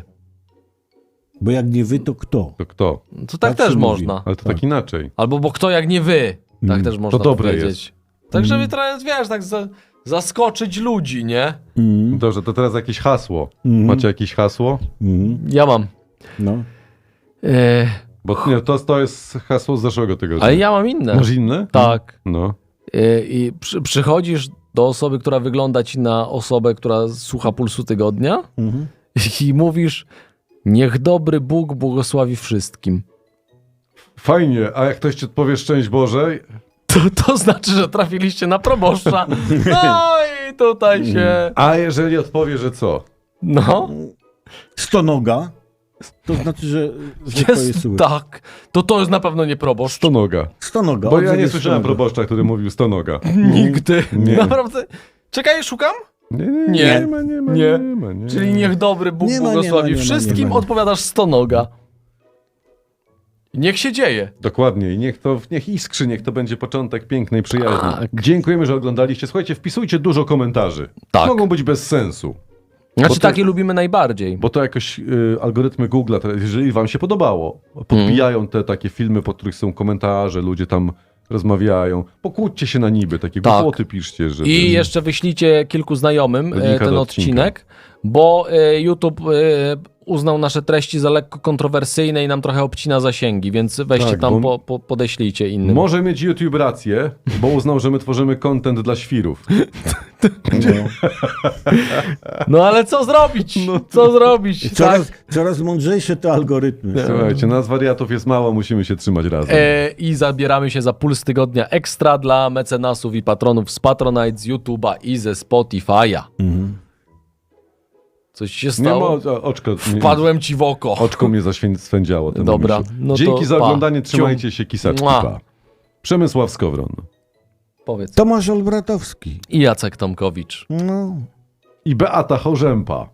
Speaker 2: Bo jak nie wy, to kto?
Speaker 4: To kto?
Speaker 3: To tak,
Speaker 2: Tak
Speaker 3: też
Speaker 2: się mówi.
Speaker 3: można.
Speaker 4: Ale to
Speaker 2: Tak.
Speaker 4: tak inaczej.
Speaker 3: Albo bo kto jak nie wy. Tak
Speaker 2: Mm.
Speaker 3: też można
Speaker 4: dobre
Speaker 3: powiedzieć. Tak, żeby teraz, wiesz, tak za, zaskoczyć ludzi, nie?
Speaker 2: Mm,
Speaker 4: Dobrze, to teraz jakieś hasło.
Speaker 2: mm,
Speaker 4: Macie jakieś hasło?
Speaker 2: mm,
Speaker 3: Ja mam.
Speaker 2: no.
Speaker 3: E,
Speaker 4: Bo nie, to, to jest hasło z zeszłego tygodnia.
Speaker 3: ale ja mam inne.
Speaker 4: Masz inne?
Speaker 3: Tak.
Speaker 4: No.
Speaker 3: E, I przy, przychodzisz do osoby, która wygląda ci na osobę, która słucha Pulsu Tygodnia
Speaker 2: Mhm.
Speaker 3: i mówisz: niech dobry Bóg błogosławi wszystkim.
Speaker 4: Fajnie, a jak ktoś ci odpowie szczęść Boże,
Speaker 3: To, to znaczy, że trafiliście na proboszcza. No i tutaj się...
Speaker 4: a jeżeli odpowie, że co?
Speaker 3: No,
Speaker 2: Stonoga, to znaczy, że, że to jest
Speaker 3: jest
Speaker 2: złe.
Speaker 3: tak. To to jest na pewno nie proboszcz.
Speaker 4: Stonoga.
Speaker 2: Stonoga.
Speaker 4: Bo ja
Speaker 2: odzew
Speaker 4: nie
Speaker 2: jest
Speaker 4: słyszałem
Speaker 2: stonoga.
Speaker 4: proboszcza, który mówił stonoga.
Speaker 3: Nigdy.
Speaker 4: Nie.
Speaker 3: Naprawdę. Czekaj, szukam?
Speaker 4: Nie, nie,
Speaker 3: Nie.
Speaker 4: nie ma, nie ma,
Speaker 3: Nie.
Speaker 4: nie ma. Nie.
Speaker 3: Czyli niech dobry Bóg
Speaker 2: Nie ma, nie ma,
Speaker 3: błogosławi
Speaker 2: nie ma, nie
Speaker 3: wszystkim,
Speaker 2: ma.
Speaker 3: odpowiadasz stonoga. Niech się dzieje.
Speaker 4: Dokładnie i niech to, niech iskrzy, niech to będzie początek pięknej przyjaźni.
Speaker 3: Tak.
Speaker 4: Dziękujemy, że oglądaliście. Słuchajcie, wpisujcie dużo komentarzy.
Speaker 3: Tak.
Speaker 4: Mogą być bez sensu,
Speaker 3: Znaczy,
Speaker 4: Bo to-
Speaker 3: takie lubimy najbardziej.
Speaker 4: bo to jakoś y, algorytmy Google'a, teraz, jeżeli wam się podobało, podbijają te takie filmy, pod których są komentarze, ludzie tam rozmawiają. Pokłóćcie się na niby, takie
Speaker 3: Tak.
Speaker 4: głupoty piszcie, żeby...
Speaker 3: I jeszcze wyślijcie kilku znajomym
Speaker 4: Do
Speaker 3: e,
Speaker 4: linka
Speaker 3: ten
Speaker 4: do
Speaker 3: odcinek, bo e, YouTube e, uznał nasze treści za lekko kontrowersyjne i nam trochę obcina zasięgi, więc weźcie
Speaker 4: Tak,
Speaker 3: tam,
Speaker 4: bo-
Speaker 3: po, po, podeślijcie innym.
Speaker 4: Może mieć YouTube rację, bo uznał, że my tworzymy content dla świrów.
Speaker 2: No.
Speaker 3: No ale co zrobić?
Speaker 4: No
Speaker 3: Co zrobić? Tak?
Speaker 2: Coraz, coraz mądrzejsze te algorytmy.
Speaker 4: Słuchajcie, nas wariatów jest mało, musimy się trzymać razem.
Speaker 3: E, I zabieramy się za Puls Tygodnia Ekstra dla mecenasów i patronów z Patronite, z YouTube'a i ze Spotify'a.
Speaker 2: Mhm.
Speaker 3: Coś się
Speaker 4: Nie
Speaker 3: stało?
Speaker 4: ma, oczko, nie,
Speaker 3: Wpadłem ci w oko.
Speaker 4: oczko mnie zaśwędziało. temu
Speaker 3: Dobra,
Speaker 4: myśli.
Speaker 3: no to
Speaker 4: Dzięki za
Speaker 3: pa.
Speaker 4: oglądanie,
Speaker 3: Cium.
Speaker 4: trzymajcie się, kisaczki,
Speaker 3: Mua.
Speaker 4: pa. Przemysław Skowron.
Speaker 3: Powiedz.
Speaker 2: Tomasz Olbratowski.
Speaker 3: I Jacek Tomkowicz.
Speaker 2: No,
Speaker 4: I Beata Chorzępa.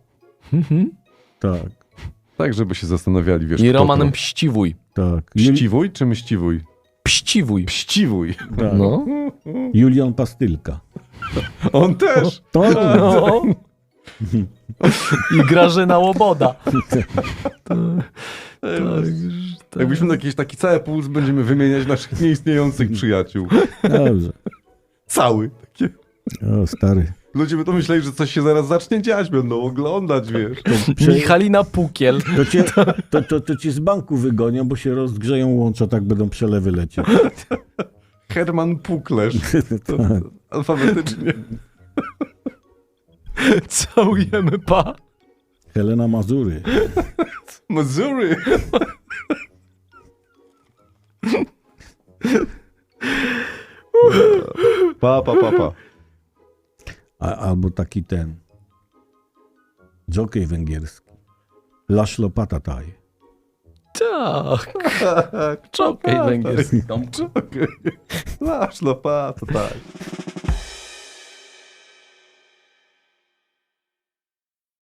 Speaker 2: tak,
Speaker 4: Tak, żeby się zastanawiali, wiesz,
Speaker 3: I
Speaker 4: kto
Speaker 3: Roman
Speaker 4: to.
Speaker 3: Mściwój.
Speaker 2: tak. Jul-
Speaker 4: Pściwój czy mściwój?
Speaker 3: Pściwój.
Speaker 4: Pściwój.
Speaker 2: tak.
Speaker 3: No.
Speaker 2: Julian Pastylka.
Speaker 4: On też.
Speaker 2: To,
Speaker 3: No. I Grażyna Łoboda.
Speaker 4: Jakbyśmy na jakiś taki cały puls będziemy wymieniać naszych nieistniejących przyjaciół.
Speaker 2: dobrze.
Speaker 4: Cały. Takie.
Speaker 2: O, stary.
Speaker 4: Ludzie by to myśleli, że coś się zaraz zacznie dziać, będą oglądać, wiesz.
Speaker 2: Prze-
Speaker 3: Michalina Pukiel.
Speaker 2: To cię, to, to, to cię z banku wygonią, bo się rozgrzeją łącza, tak będą przelewy lecieć.
Speaker 4: Herman Puklesz. To, to, alfabetycznie.
Speaker 3: Całujemy pa.
Speaker 2: Helena Mazury.
Speaker 4: Missouri. Pa, pa, pa, pa.
Speaker 2: A, albo taki ten. Jockey węgierski. Laszlo Patataj.
Speaker 3: Tak. Czokej węgierski.
Speaker 4: Czekaj. Masz lopatę, tak.